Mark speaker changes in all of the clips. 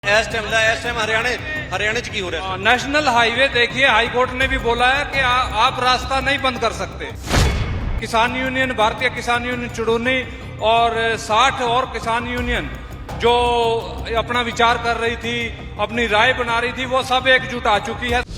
Speaker 1: इस टाइम हरियाणा च की हो रहा है?
Speaker 2: नेशनल हाईवे देखिए, हाई कोर्ट ने भी बोला है कि आप रास्ता नहीं बंद कर सकते। किसान यूनियन, भारतीय किसान यूनियन चुड़ूनी और 60 और किसान यूनियन जो अपना विचार कर रही थी, अपनी राय बना रही थी, वो सब एकजुट आ चुकी है।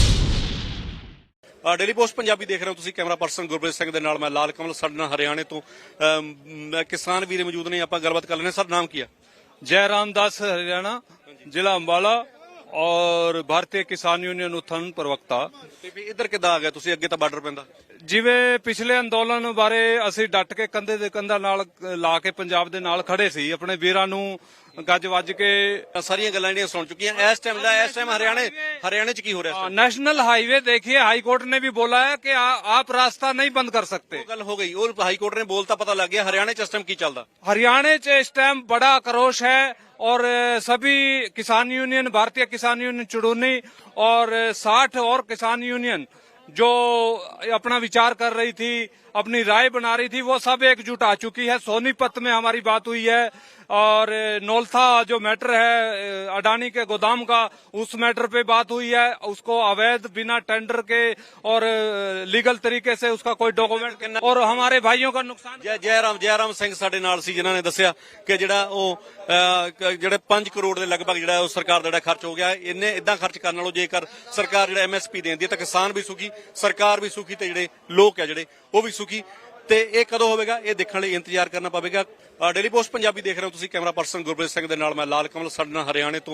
Speaker 1: डेली पोस्ट पंजाबी देख रहे हो ਤੁਸੀਂ ਕੈਮਰਾ ਪਰਸਨ ਗੁਰਪ੍ਰੀਤ ਸਿੰਘ ਦੇ ਨਾਲ ਮੈਂ ਲਾਲ ਕਮਲ ਸਾਡੇ ਨਾਲ ਹਰਿਆਣੇ ਤੋਂ ਕਿਸਾਨ ਵੀਰ ਮੌਜੂਦ ਨੇ ਆਪਾਂ ਗੱਲਬਾਤ ਕਰ ਲੈਣੇ। ਸਰ ਨਾਮ ਕੀ ਹੈ?
Speaker 2: जयराम दास हरियाणा, जिला अंबाला और भारतीय किसान यूनियन उत्थान प्रवक्ता।
Speaker 1: ਤੇ ਵੀ ਇੱਧਰ ਕਿੱਦਾਂ ਆ ਗਿਆ ਤੁਸੀਂ? ਅੱਗੇ ਤਾਂ ਬਾਰਡਰ ਪੈਂਦਾ।
Speaker 2: ਜਿਵੇਂ ਪਿਛਲੇ ਅੰਦੋਲਨ ਬਾਰੇ ਅਸੀਂ ਡਟ ਕੇ ਕੰਧੇ ਦੇ ਕੰਧਾ ਨਾਲ ਲਾ ਕੇ ਪੰਜਾਬ ਦੇ ਨਾਲ ਖੜੇ ਸੀ, ਆਪਣੇ ਵੀਰਾਂ ਨੂੰ ਗੱਜ ਵੱਜ ਕੇ
Speaker 1: ਸਾਰੀਆਂ ਗੱਲਾਂ ਜਿਹੜੀਆਂ ਸੁਣ ਚੁੱਕੀਆਂ। ਇਸ ਟਾਈਮ ਹਰਿयाणा ਚ ਕੀ ਹੋ ਰਿਹਾ?
Speaker 2: नेशनल हाईवे देखिए, हाई कोर्ट ने भी बोला है कि आप रास्ता नहीं बंद कर सकते।
Speaker 1: ਉਹ ਗੱਲ ਹੋ ਗਈ, ਉਹ ਹਾਈ ਕੋਰਟ ਨੇ ਬੋਲਤਾ, ਪਤਾ ਲੱਗ ਗਿਆ। ਹਰਿयाणा ਚ ਇਸ ਟਾਈਮ ਕੀ ਚੱਲਦਾ?
Speaker 2: हरियाणा से इस टाइम बड़ा आक्रोश है और सभी किसान यूनियन, भारतीय किसान यूनियन चुड़ूनी और 60 और किसान यूनियन जो अपना विचार कर रही थी, अपनी राय बना रही थी, वो सब एकजुट आ चुकी है। सोनीपत में हमारी बात हुई है और नौलथा जो मैटर है अडानी के गोदाम का, उस मैटर पे बात हुई है। उसको अवैध बिना टेंडर के और लीगल तरीके से उसका कोई डॉक्यूमेंट और हमारे भाइयों का नुकसान।
Speaker 1: ਜੈਰਾਮ ਸਿੰਘ ਸਾਡੇ ਨਾਲ ਸੀ, ਜਿਨ੍ਹਾਂ ਨੇ ਦੱਸਿਆ ਕਿ ਜਿਹੜਾ ਉਹ ਜਿਹੜੇ 5 ਕਰੋੜ ਦੇ ਲਗਭਗ ਜਿਹੜਾ ਉਹ ਸਰਕਾਰ ਦਾ ਜਿਹੜਾ ਖਰਚ ਹੋ ਗਿਆ, ਇੰਨੇ ਇਦਾਂ ਖਰਚ ਕਰਨ ਨਾਲੋਂ ਜੇਕਰ ਸਰਕਾਰ ਜਿਹੜਾ MSP ਦੇਂਦੀ ਹੈ ਤਾਂ ਕਿਸਾਨ ਵੀ ਸੁਖੀ, ਸਰਕਾਰ ਵੀ ਸੁਖੀ ਤੇ ਜਿਹੜੇ ਲੋਕ ਆ ਜਿਹੜੇ ਉਹ ਵੀ ਸੁਖੀ। ਤੇ ਇਹ ਕਦੋਂ ਹੋਵੇਗਾ, ਇਹ ਦੇਖਣ ਲਈ ਇੰਤਜ਼ਾਰ ਕਰਨਾ ਪਵੇਗਾ। ਡੇਲੀ ਪੋਸਟ ਪੰਜਾਬੀ ਦੇਖ ਰਹੇ ਹੋ ਤੁਸੀਂ ਕੈਮਰਾ ਪਰਸਨ ਗੁਰਪ੍ਰੀਤ ਸਿੰਘ ਦੇ ਨਾਲ ਮੈਂ ਲਾਲ ਕਮਲ ਸਾਡੇ ਨਾਲ ਹਰਿਆਣੇ ਤੋਂ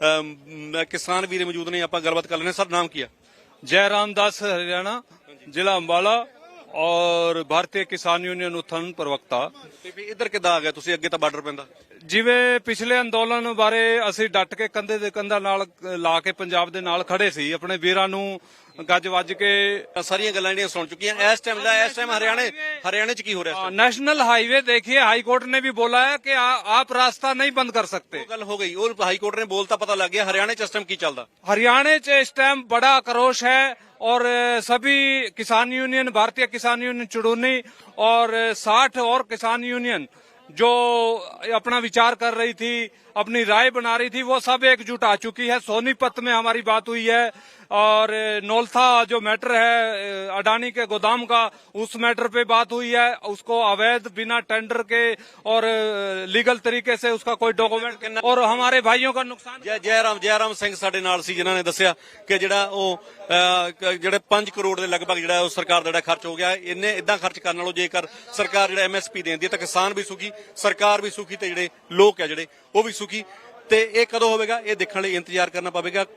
Speaker 1: ਕਿਸਾਨ ਵੀਰ ਮੌਜੂਦ ਨੇ ਆਪਾਂ ਗੱਲਬਾਤ ਕਰ ਲੈਣੇ। ਸਰ ਨਾਮ ਕੀ ਹੈ?
Speaker 2: जयराम दास हरियाणा, जिला अंबाला और भारतीय किसान यूनियन उत्थान प्रवक्ता।
Speaker 1: ਤੇ ਵੀ ਇੱਧਰ ਕਿੱਦਾਂ ਆ ਗਿਆ ਤੁਸੀਂ? ਅੱਗੇ ਤਾਂ ਬਾਰਡਰ ਪੈਂਦਾ।
Speaker 2: ਜਿਵੇਂ ਪਿਛਲੇ ਅੰਦੋਲਨ ਬਾਰੇ ਅਸੀਂ ਡਟ ਕੇ ਕੰਧੇ ਦੇ ਕੰਧਾ ਨਾਲ ਲਾ ਕੇ ਪੰਜਾਬ ਦੇ ਨਾਲ ਖੜੇ ਸੀ, ਆਪਣੇ ਵੀਰਾਂ ਨੂੰ ਗੱਜ ਵੱਜ ਕੇ
Speaker 1: ਸਾਰੀਆਂ ਗੱਲਾਂ ਜਿਹੜੀਆਂ ਸੁਣ ਚੁੱਕੀਆਂ। ਇਸ ਟਾਈਮ ਹਰਿयाणा ਚ ਕੀ ਹੋ ਰਿਹਾ?
Speaker 2: नेशनल हाईवे देखिए, हाई कोर्ट ने भी बोला है कि आप रास्ता नहीं बंद कर सकते।
Speaker 1: ਉਹ ਗੱਲ ਹੋ ਗਈ, ਉਹ ਹਾਈ ਕੋਰਟ ਨੇ ਬੋਲਤਾ, ਪਤਾ ਲੱਗ ਗਿਆ। हरियाणा ਚ ਇਸ ਟਾਈਮ ਕੀ ਚੱਲਦਾ?
Speaker 2: हरियाणा से इस टाइम बड़ा आक्रोश है और सभी किसान यूनियन, भारतीय किसान यूनियन चुड़ूनी और 60 और किसान यूनियन जो अपना विचार कर रही थी, अपनी राय बना रही थी, वो सब एकजुट आ चुकी है। सोनीपत में हमारी बात हुई है और नौलथा जो मैटर है अडानी के गोदाम का, उस मैटर पे बात हुई है। उसको अवैध बिना टेंडर के और लीगल तरीके से उसका कोई डॉक्यूमेंट और हमारे भाइयों का नुकसान।
Speaker 1: ਜੈਰਾਮ ਸਿੰਘ ਸਾਡੇ ਨਾਲ ਸੀ, ਜਿਨ੍ਹਾਂ ਨੇ ਦੱਸਿਆ ਕਿ ਜਿਹੜਾ ਉਹ ਜਿਹੜੇ 5 ਕਰੋੜ ਦੇ ਲਗਭਗ ਜਿਹੜਾ ਉਹ ਸਰਕਾਰ ਦਾ ਜਿਹੜਾ ਖਰਚ ਹੋ ਗਿਆ, ਇੰਨੇ ਇਦਾਂ ਖਰਚ ਕਰਨ ਨਾਲੋਂ ਜੇਕਰ ਸਰਕਾਰ ਜਿਹੜਾ MSP ਦੇਂਦੀ ਹੈ ਤਾਂ ਕਿਸਾਨ ਵੀ ਸੁਖੀ, ਸਰਕਾਰ ਵੀ ਸੁਖੀ ਤੇ ਜਿਹੜੇ ਲੋਕ ਆ ਜਿਹੜੇ ਉਹ ਵੀ ਸੁਖੀ। ਤੇ ਇਹ ਕਦੋਂ ਹੋਵੇਗਾ, ਇਹ ਦੇਖਣ ਲਈ ਇੰਤਜ਼ਾਰ ਕਰਨਾ ਪਵੇਗਾ।